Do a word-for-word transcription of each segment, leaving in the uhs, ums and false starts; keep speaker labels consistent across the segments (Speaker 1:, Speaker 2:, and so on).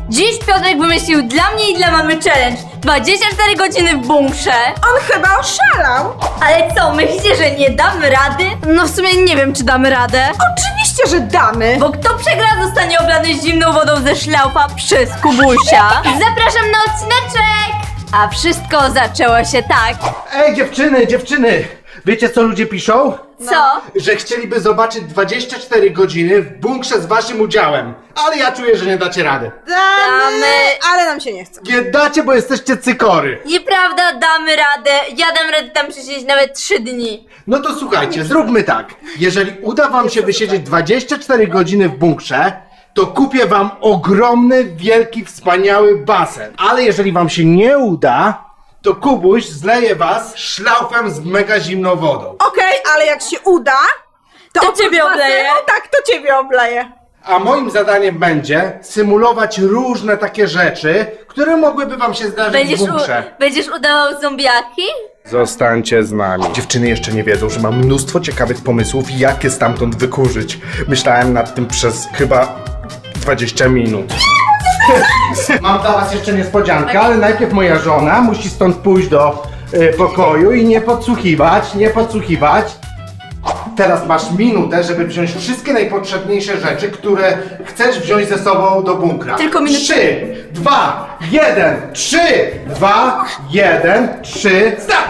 Speaker 1: Dziś Piotrek wymyślił dla mnie i dla mamy challenge. dwadzieścia cztery godziny w bunkrze.
Speaker 2: On chyba oszalał.
Speaker 1: Ale co, myślicie, że nie damy rady? No w sumie nie wiem, czy damy radę.
Speaker 2: Oczywiście, że damy.
Speaker 1: Bo kto przegra, zostanie oblany zimną wodą ze szlaufa przez Kubusia. Zapraszam na odcineczek! A wszystko zaczęło się tak.
Speaker 3: Ej, dziewczyny, dziewczyny! Wiecie, co ludzie piszą?
Speaker 1: Co?
Speaker 3: Że chcieliby zobaczyć dwadzieścia cztery godziny w bunkrze z waszym udziałem. Ale ja czuję, że nie dacie rady.
Speaker 2: Damy,
Speaker 1: Damy.
Speaker 2: ale nam się nie chce.
Speaker 3: Nie dacie, bo jesteście cykory.
Speaker 1: Nieprawda, damy radę. Ja dam radę tam przesiedzieć nawet trzy dni.
Speaker 3: No to słuchajcie, zróbmy tak. Jeżeli uda wam się wysiedzieć dwadzieścia cztery godziny w bunkrze, to kupię wam ogromny, wielki, wspaniały basen. Ale jeżeli wam się nie uda, to Kubuś zleje was szlaufem z mega zimną wodą.
Speaker 2: Okej, ale jak się uda, to,
Speaker 1: To
Speaker 2: oprócz
Speaker 1: ciebie obleję.
Speaker 2: basenu, tak, to ciebie obleję.
Speaker 3: A moim zadaniem będzie symulować różne takie rzeczy, które mogłyby wam się zdarzyć
Speaker 1: Będziesz,
Speaker 3: w
Speaker 1: u,
Speaker 3: bunkrze.
Speaker 1: będziesz udawał zombiaki?
Speaker 3: Zostańcie z nami. Dziewczyny jeszcze nie wiedzą, że mam mnóstwo ciekawych pomysłów, jak je stamtąd wykurzyć. Myślałem nad tym przez chyba dwadzieścia minut. Mam dla was jeszcze niespodziankę, ale najpierw moja żona musi stąd pójść do y, pokoju i nie podsłuchiwać, nie podsłuchiwać. Teraz masz minutę, żeby wziąć wszystkie najpotrzebniejsze rzeczy, które chcesz wziąć ze sobą do bunkra.
Speaker 1: Tylko minutę.
Speaker 3: Trzy, dwa, jeden, trzy, dwa, jeden, trzy, start!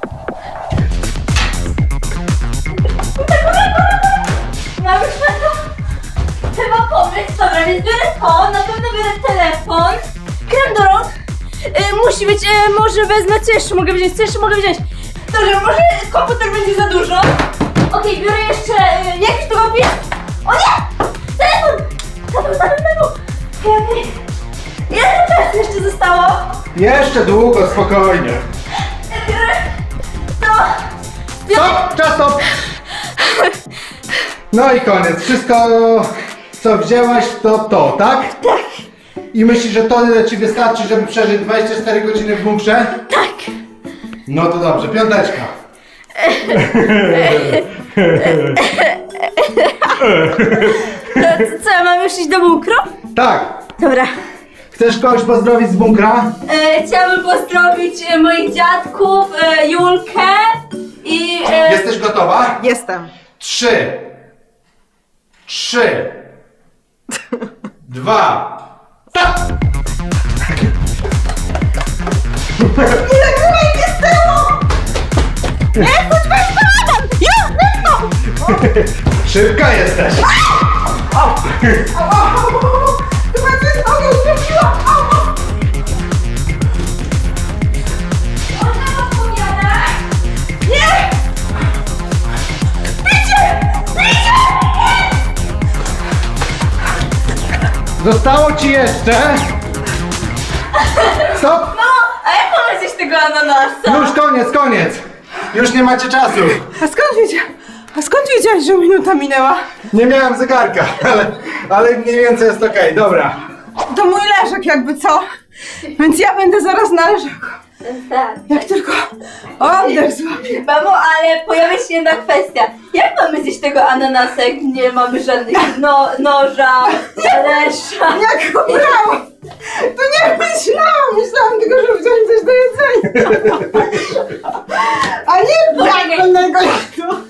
Speaker 1: Mam już na to chyba pomysł. Dobra, więc biorę to, na pewno biorę telefon. Krem do rąk. Y, musi być, y, może wezmę, co jeszcze mogę wziąć, co jeszcze mogę wziąć? Dobrze, może komputer będzie za dużo. Okej, biorę jeszcze, y, jakiś to papież. O nie! Telefon! Telefon, telefon, telefon. Okej, okej. Ile czasu jeszcze zostało?
Speaker 3: Jeszcze długo, spokojnie.
Speaker 1: Biorę to.
Speaker 3: Stop! Czas, stop! No i koniec. Wszystko, co wzięłaś, to to, tak? Tak. I myślisz, że to tyle ci wystarczy, żeby przeżyć dwadzieścia cztery godziny w bunkrze?
Speaker 1: Tak.
Speaker 3: No to dobrze, piąteczka.
Speaker 1: To, co, co, ja mam już iść do bunkru?
Speaker 3: Tak.
Speaker 1: Dobra.
Speaker 3: Chcesz kogoś pozdrowić z bunkra?
Speaker 1: E, chciałabym pozdrowić e, moich dziadków, e, Julkę i... E,
Speaker 3: Jesteś gotowa?
Speaker 2: Jestem.
Speaker 3: Trzy. Trzy. Dwa. Stop!
Speaker 2: Nie nagrywaj mnie z tyłu! Nie, chodź, weź to! Ja, no!
Speaker 3: Szybka jesteś.
Speaker 2: Chyba coś nogę utrafiła!
Speaker 1: Można odpowiadać?
Speaker 2: Nie! Bicie! Bicie!
Speaker 3: Zostało ci jeszcze. Stop!
Speaker 1: No, a jak mamy zjeść tego ananasa?
Speaker 3: Już koniec, koniec. Już nie macie czasu.
Speaker 2: A skąd wiedziałeś? A skąd wiedziałeś, że minuta minęła?
Speaker 3: Nie miałem zegarka, ale, ale mniej więcej jest okej, dobra.
Speaker 2: To mój leżak jakby co? Więc ja będę zaraz na leżaku.
Speaker 1: Tak.
Speaker 2: Jak tylko oddech złapię.
Speaker 1: Mamo, ale pojawia się jedna kwestia. Jak mamy zjeść tego ananasa, jak nie mamy żadnych no, noża, talerza?
Speaker 2: Jak go brałam! To nie myślałam! Myślałam tylko, że wziąć coś do jedzenia. A nie jak innego jak to.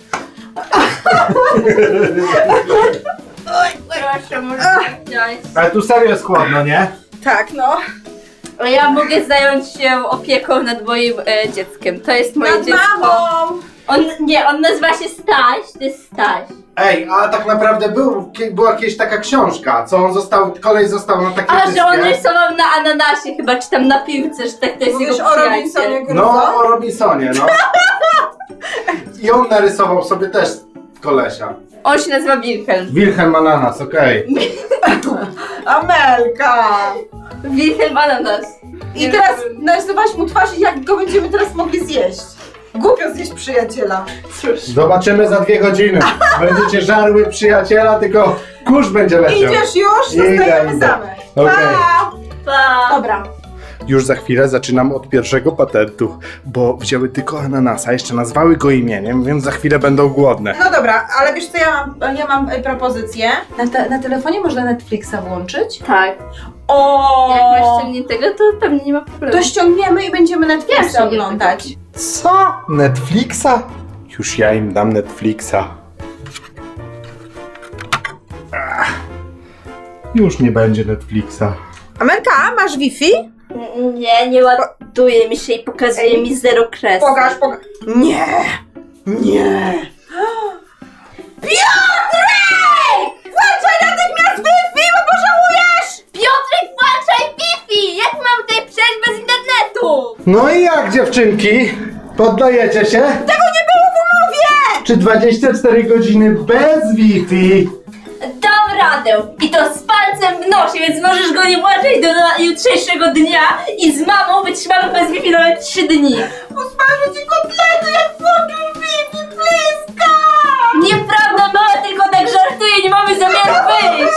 Speaker 1: Oj, proszę, może wziąć.
Speaker 3: Ale tu serio jest chłodno, nie?
Speaker 2: Tak, no.
Speaker 1: A ja mogę zająć się opieką nad moim e, dzieckiem. To jest moje
Speaker 2: Nad
Speaker 1: dziecko.
Speaker 2: mamą!
Speaker 1: On, nie, on nazywa się Staś, to jest Staś.
Speaker 3: Ej, a tak naprawdę był, była jakaś taka książka, co on został, kolej został na takiej
Speaker 1: A, że on
Speaker 3: wyspie.
Speaker 1: rysował na ananasie chyba, czy tam na piłce, że tak to jest
Speaker 2: Mówisz
Speaker 1: jego
Speaker 2: o
Speaker 1: przyjaciel.
Speaker 2: Robinsonie Crusoe?
Speaker 3: No, o Robinsonie, no. I on narysował sobie też kolesia.
Speaker 1: On się nazywa Wilhelm.
Speaker 3: Wilhelm Ananas, okej.
Speaker 2: Amelka!
Speaker 1: Wilhelm Ananas.
Speaker 2: I teraz narysowałaś mu twarz i jak go będziemy teraz mogli zjeść. Głupio zjeść przyjaciela. Cóż.
Speaker 3: Zobaczymy za dwie godziny. Będziecie żarły przyjaciela, tylko kurz będzie leciał.
Speaker 2: Idziesz już?
Speaker 3: Idę,
Speaker 2: Zostajemy
Speaker 3: idę.
Speaker 2: same.
Speaker 3: Okej.
Speaker 2: Pa!
Speaker 1: Pa.
Speaker 2: Dobra.
Speaker 3: Już za chwilę zaczynam od pierwszego patentu, bo wzięły tylko ananasa, jeszcze nazwały go imieniem, więc za chwilę będą głodne.
Speaker 2: No dobra, ale wiesz co, ja mam, ja mam e, propozycję. Na, te, na telefonie można Netflixa włączyć?
Speaker 1: Tak.
Speaker 2: O!
Speaker 1: Jak masz ściągniętego, to pewnie nie ma problemu.
Speaker 2: To ściągniemy i będziemy
Speaker 1: Ja
Speaker 2: Netflixa
Speaker 1: ściągnięte.
Speaker 2: oglądać.
Speaker 3: Co? Netflixa? Już ja im dam Netflixa. Ach, już nie będzie Netflixa.
Speaker 2: Amelka, masz Wi-Fi?
Speaker 1: Nie, nie ładuje mi się i pokazuje
Speaker 2: Ej.
Speaker 1: mi zero kresek.
Speaker 2: Pokaż, pokaż. Nie! Nie! Piotrek! Włączaj natychmiast Wi-Fi, bo pożałujesz!
Speaker 1: Piotrek, włączaj Wi-Fi! Jak mam tutaj przejść bez internetu?
Speaker 3: No i jak, dziewczynki? Poddajecie się?
Speaker 2: Tego nie było w umowie!
Speaker 3: Czy dwadzieścia cztery godziny bez Wi-Fi?
Speaker 1: Dam radę! I to z palcem w nosie, więc możesz go nie włączać do na- jutrzejszego dnia i z mamą wytrzymamy bez Wi-Fi nawet trzy dni.
Speaker 2: Usmażę ci kotlety, jak włączysz Wi-Fi, bliska!
Speaker 1: Nieprawda, mama tylko tak żartuje, nie mamy zamiaru wyjść!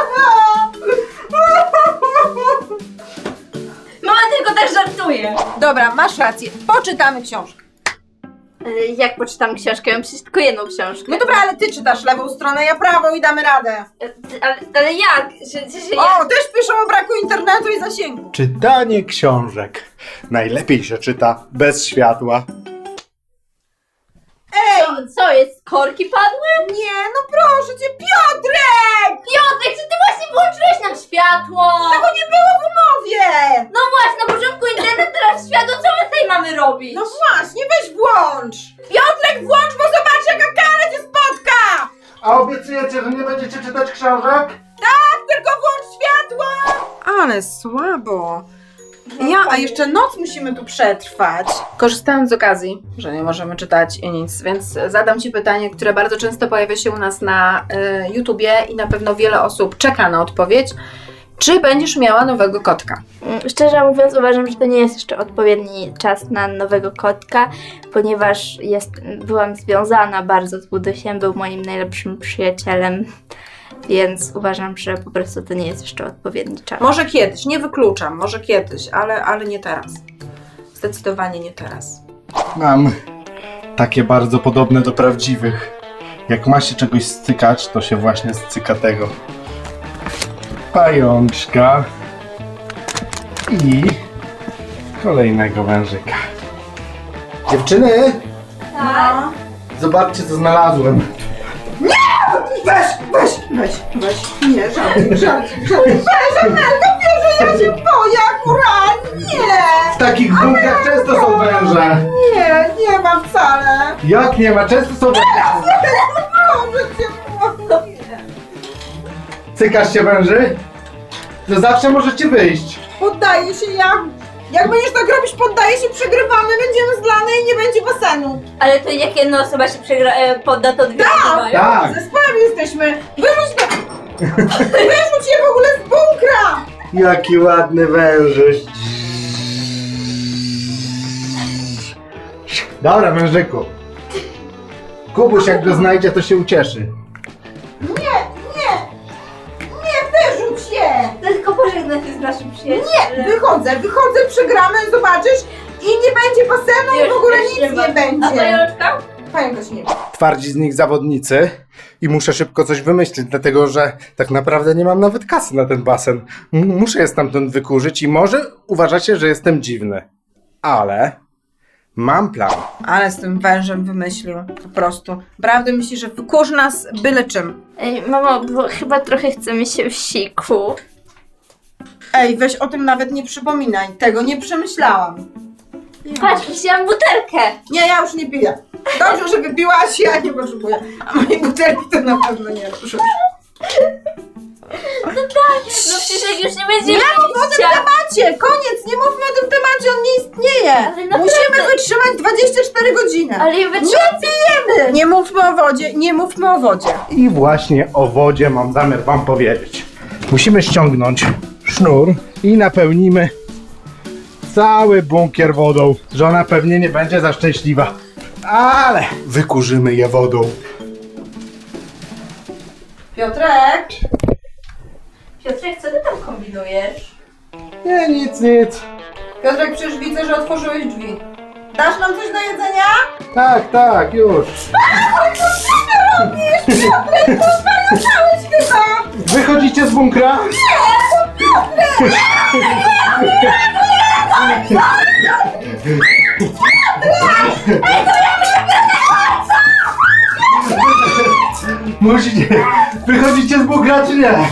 Speaker 1: Mama tylko tak żartuje.
Speaker 2: Dobra, masz rację. Poczytamy książkę.
Speaker 1: Ale jak poczytam książkę? Ja mam przecież tylko jedną książkę.
Speaker 2: No dobra, ale ty czytasz lewą stronę, ja prawą i damy radę.
Speaker 1: E, Ale, ale jak? Że, że, że
Speaker 2: O,
Speaker 1: jak?
Speaker 2: też piszą o braku internetu i zasięgu.
Speaker 3: Czytanie książek. Najlepiej się czyta bez światła.
Speaker 2: Ej!
Speaker 1: Co, co jest? Korki padły?
Speaker 2: Nie, no proszę cię, Piotrek!
Speaker 1: Piotrek, czy ty właśnie włączyłeś nam światło?
Speaker 2: Tego nie było w umowie!
Speaker 1: No właśnie, na początku internet, teraz światło, co my tutaj mamy robić?
Speaker 2: No właśnie, weź włącz! Piotrek, włącz, bo zobacz, jaka kara cię spotka!
Speaker 3: A obiecujecie, że nie będziecie czytać książek?
Speaker 2: Tak, tylko włącz światło! Ale słabo. Ja, a jeszcze noc musimy tu przetrwać. Korzystając z okazji, że nie możemy czytać i nic, więc zadam ci pytanie, które bardzo często pojawia się u nas na y, YouTubie i na pewno wiele osób czeka na odpowiedź. Czy będziesz miała nowego kotka?
Speaker 1: Mm, Szczerze mówiąc, uważam, że to nie jest jeszcze odpowiedni czas na nowego kotka, ponieważ jest, byłam związana bardzo z Budusiem, był moim najlepszym przyjacielem, więc uważam, że po prostu to nie jest jeszcze odpowiedni czas.
Speaker 2: Może kiedyś, nie wykluczam, może kiedyś, ale, ale nie teraz. Zdecydowanie nie teraz.
Speaker 3: Mam takie bardzo podobne do prawdziwych. Jak ma się czegoś stykać, to się właśnie styka tego. Pajączka i kolejnego wężyka. Dziewczyny,
Speaker 1: Tak?
Speaker 3: zobaczcie co znalazłem.
Speaker 2: Weź, weź, weź, weź. Nie, żarty, żarty, żarty. Weź, Amelka, wiesz, że ja się boję akurat. Nie,
Speaker 3: W takich bunkrach często są węże.
Speaker 2: nie, nie ma wcale.
Speaker 3: Jak nie ma? Często są węże.
Speaker 2: Proszę cię, błagam.
Speaker 3: Cykasz się węży? To zawsze możecie wyjść.
Speaker 2: Poddaję się, ja. Jak będziesz tak robić, poddaję się, przegrywamy, będziemy zlane i nie będzie basenu.
Speaker 1: Ale to jak jedna osoba się przegra, e, podda, to dwie wygrywają?
Speaker 3: Tak.
Speaker 2: Zespołem jesteśmy. Wyrzuć go. Wyrzuć je w ogóle z bunkra.
Speaker 3: Jaki ładny wężyk. Dobra, wężyku. Kubuś jak go znajdzie, to się ucieszy.
Speaker 2: Nie, nie. Nie, wyrzuć je.
Speaker 1: Tylko pożegnać się z naszym przyjacielem.
Speaker 2: Nie, wychodzę, wychodzę, przegramy, zobaczysz i nie będzie basenu i w ogóle nic nie
Speaker 1: A
Speaker 2: będzie.
Speaker 1: pajączka?
Speaker 2: Pająka się nie ma.
Speaker 3: Twardzi z nich zawodnicy i muszę szybko coś wymyślić, dlatego że tak naprawdę nie mam nawet kasy na ten basen. M- muszę je stamtąd wykurzyć i może uważacie, że jestem dziwny, ale mam plan.
Speaker 2: Ale z tym wężem wymyślił, po prostu. Prawdę myśli, że wykurzy nas byle czym.
Speaker 1: Ej, mamo, bo chyba trochę chce mi się w siku.
Speaker 2: Ej, weź o tym nawet nie przypominaj, tego nie przemyślałam.
Speaker 1: Patrz, wzięłam butelkę.
Speaker 2: Nie, ja już nie piję. Dobrze, że wypiłaś, ja nie potrzebuję. A mojej butelki to na pewno nie ruszę.
Speaker 1: No tak, no przecież jak już nie będzie
Speaker 2: Nie mów o tym
Speaker 1: wyjścia.
Speaker 2: temacie! Koniec! Nie mówmy o tym temacie, on nie istnieje!
Speaker 1: Ale naprawdę.
Speaker 2: Musimy wytrzymać dwadzieścia cztery godziny!
Speaker 1: Ale ja wytrzymam.
Speaker 2: Nie pijemy! Nie mówmy o wodzie, nie mówmy o wodzie.
Speaker 3: I właśnie o wodzie mam zamiar wam powiedzieć. Musimy ściągnąć sznur i napełnimy cały bunkier wodą. Żona pewnie nie będzie za szczęśliwa, ale wykurzymy je wodą.
Speaker 2: Piotrek!
Speaker 1: Piotrek, co ty tam kombinujesz?
Speaker 3: Nie, nic, nic.
Speaker 2: Piotrek, przecież widzę, że otworzyłeś drzwi. Dasz nam coś do jedzenia?
Speaker 3: Tak, tak, już.
Speaker 2: Ale co ty robisz? Piotrek, to zwariowałeś chyba!
Speaker 3: Wychodzicie z bunkra? Musicie. Wychodzicie z bunkra czy nie?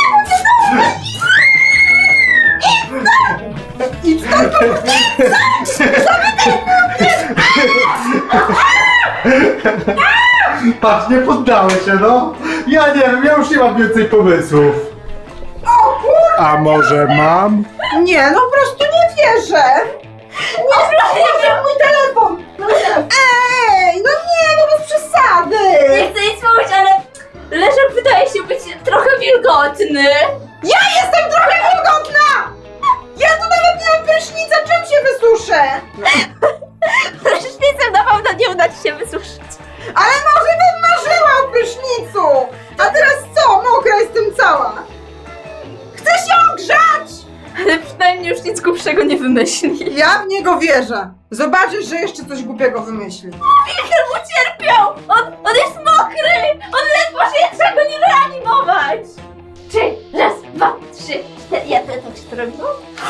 Speaker 3: Patrz, nie poddałeś się, no. Ja nie wiem, ja już nie mam więcej pomysłów. A może mam?
Speaker 2: Nie, no po prostu nie wierzę! Nie wierzę mój telefon! Ej, no nie, no bez przesady!
Speaker 1: Nie chcę nic mówić, ale Leszek wydaje się być trochę wilgotny.
Speaker 2: Ja jestem trochę wilgotna! Ja tu nawet nie mam prysznica, czym się wysuszę?
Speaker 1: Prysznicem na pewno nie uda ci się wysuszyć.
Speaker 2: Ale może bym marzyła o prysznicu! A teraz co? Mokra jestem cała! Chcę się ogrzać!
Speaker 1: Ale przynajmniej już nic głupszego nie wymyśli.
Speaker 2: Ja w niego wierzę. Zobaczysz, że jeszcze coś głupiego wymyśli.
Speaker 1: Wilker mu cierpiał! On, on jest mokry! On ledwo się trzeba go nie reanimować! Trzy, raz, dwa, trzy, cztery. Ja to tak się to robiło?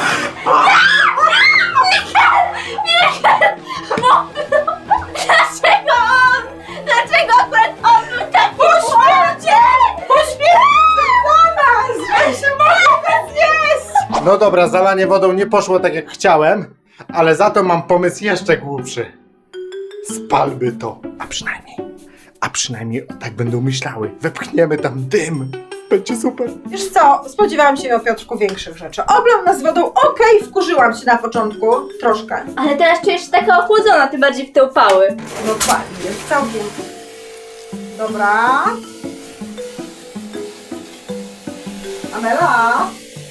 Speaker 1: Wilker! Wilker! Mokro! Dlaczego on? Dlaczego akurat on był taki
Speaker 2: Poświęcie! Poświęcie do nas! Że się mogę zjeść!
Speaker 3: No dobra, zalanie wodą nie poszło tak jak chciałem, ale za to mam pomysł jeszcze głupszy. Spalmy to, a przynajmniej, a przynajmniej tak będą myślały. Wepchniemy tam dym. Będzie super.
Speaker 2: Wiesz co, spodziewałam się o Piotrku większych rzeczy. Oblał nas wodą, okej, wkurzyłam się na początku, troszkę.
Speaker 1: Ale teraz czujesz się taka ochłodzona, ty bardziej w te upały.
Speaker 2: No fajnie, jest całkiem. Dobra. Amela?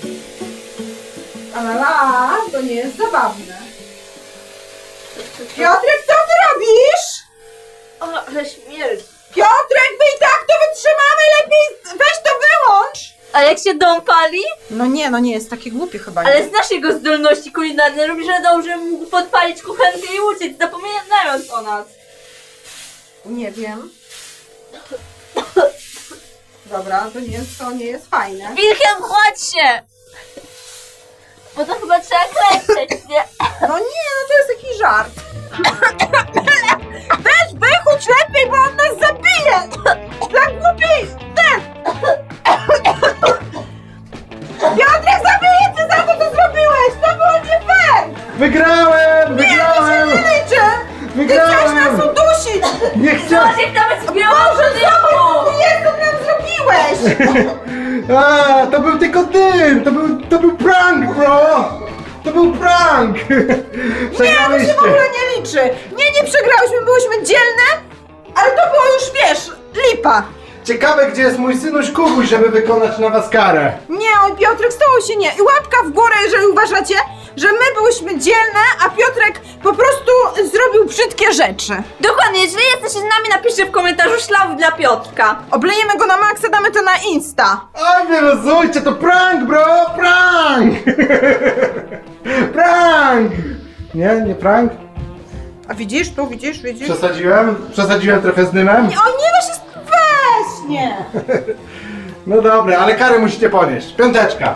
Speaker 2: Amela, to nie jest zabawne. Piotrek, co ty robisz?
Speaker 1: O, ale śmierć.
Speaker 2: Piotrek, my i tak to wytrzymamy, lepiej weź to wyłącz!
Speaker 1: A jak się dom pali?
Speaker 2: No nie, no nie jest takie głupie chyba. Nie?
Speaker 1: Ale znasz jego zdolności kulinarne, robi, że dobrze mógł podpalić kuchenkę i uciec, zapominając o nas.
Speaker 2: Nie wiem. Dobra, to nie jest, to nie jest fajne.
Speaker 1: Wilhelm, chodź się! Bo to chyba trzeba klęczeć, nie?
Speaker 2: No nie, no to jest jakiś żart. Weź wychódź lepiej, bo on nas zabije! Dla głupiej! Ten! Piotrek, zabiję cię za to, co zrobiłeś! To było nie fair!
Speaker 3: Wygrałem! Wygrałem!
Speaker 2: Nie liczę! Ty chciałeś nas udusić!
Speaker 3: Nie chciałem!
Speaker 1: Może nawet zbiorą do domu!
Speaker 2: Jezu, nam zrobiłeś!
Speaker 3: A, to był tylko dym! To był, to był prank, bro! To był prank!
Speaker 2: Nie, to
Speaker 3: Przegraliście!
Speaker 2: się w ogóle nie liczy! Nie, nie przegrałyśmy, byłyśmy dzielne, ale to było już, wiesz, lipa!
Speaker 3: Ciekawe, gdzie jest mój synuś Kubuś, żeby wykonać na was karę.
Speaker 2: Nie, oj Piotrek, stało się nie. I łapka w górę, jeżeli uważacie, że my byłyśmy dzielne, a Piotrek po prostu zrobił brzydkie rzeczy.
Speaker 1: Dokładnie, jeżeli jesteście z nami, napiszcie w komentarzu szlauf dla Piotrka.
Speaker 2: Oblejemy go na maksa, damy to na Insta.
Speaker 3: Oj, wyluzujcie, to prank, bro! Prank! Prank! Nie, nie prank?
Speaker 2: A widzisz, tu widzisz, widzisz?
Speaker 3: Przesadziłem? Przesadziłem trochę z dymem?
Speaker 2: O nie, no się... Weź, nie.
Speaker 3: No dobra, ale karę musicie ponieść. Piąteczka.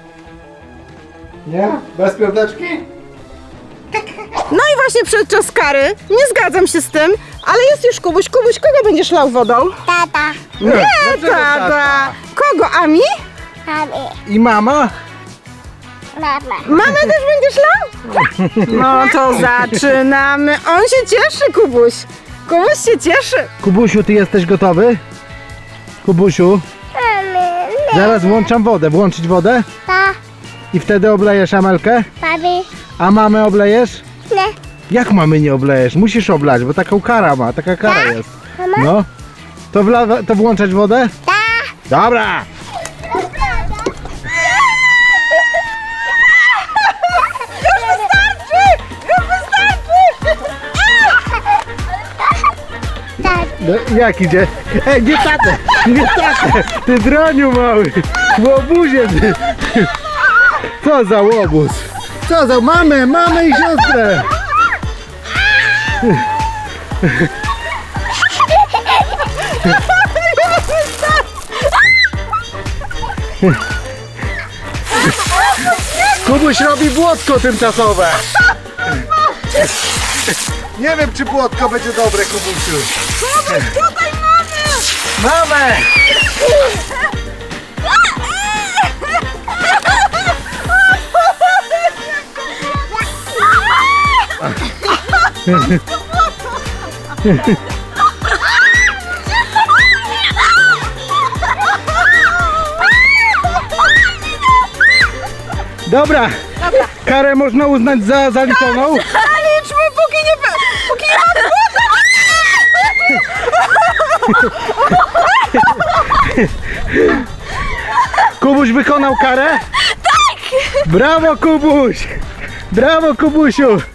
Speaker 3: Nie? Bez piąteczki?
Speaker 2: No i właśnie przed czas kary. Nie zgadzam się z tym, ale jest już Kubuś. Kubuś, kogo będziesz lał wodą?
Speaker 4: Tata,
Speaker 2: Nie, tata. Kogo, Ami?
Speaker 4: mami,
Speaker 3: I mama?
Speaker 4: mama.
Speaker 2: Mamę też będziesz lał? No to zaczynamy. On się cieszy, Kubuś. Kubuś się cieszy.
Speaker 5: Kubusiu, ty jesteś gotowy? Kubusiu, zaraz włączam wodę. Włączyć wodę?
Speaker 4: Pa,
Speaker 5: I wtedy oblejesz Amelkę?
Speaker 4: papi,
Speaker 5: A mamę oblejesz?
Speaker 4: nie,
Speaker 5: Jak mamy nie oblejesz? Musisz oblać, bo taką kara ma, taka kara jest.
Speaker 4: mama,
Speaker 5: No. To, wla- to włączać wodę?
Speaker 4: ta.
Speaker 5: Dobra! No, jak idzie? E, nie tatę! Nie tatę! Ty droniu mały! Łobuzie ty! Co za łobuz? Co za mamę, mamę i siostrę! Kubuś robi błotko tymczasowe. Nie wiem, czy błotko będzie dobre, Kubusiu.
Speaker 1: Kubuś, tutaj mamy!
Speaker 5: Mamę! Dobra, karę można uznać za zaliczoną.
Speaker 1: Zaliczmy, póki nie... Póki nie ma
Speaker 5: Kubuś wykonał karę? Tak! Brawo, Kubuś! Brawo, Kubusiu!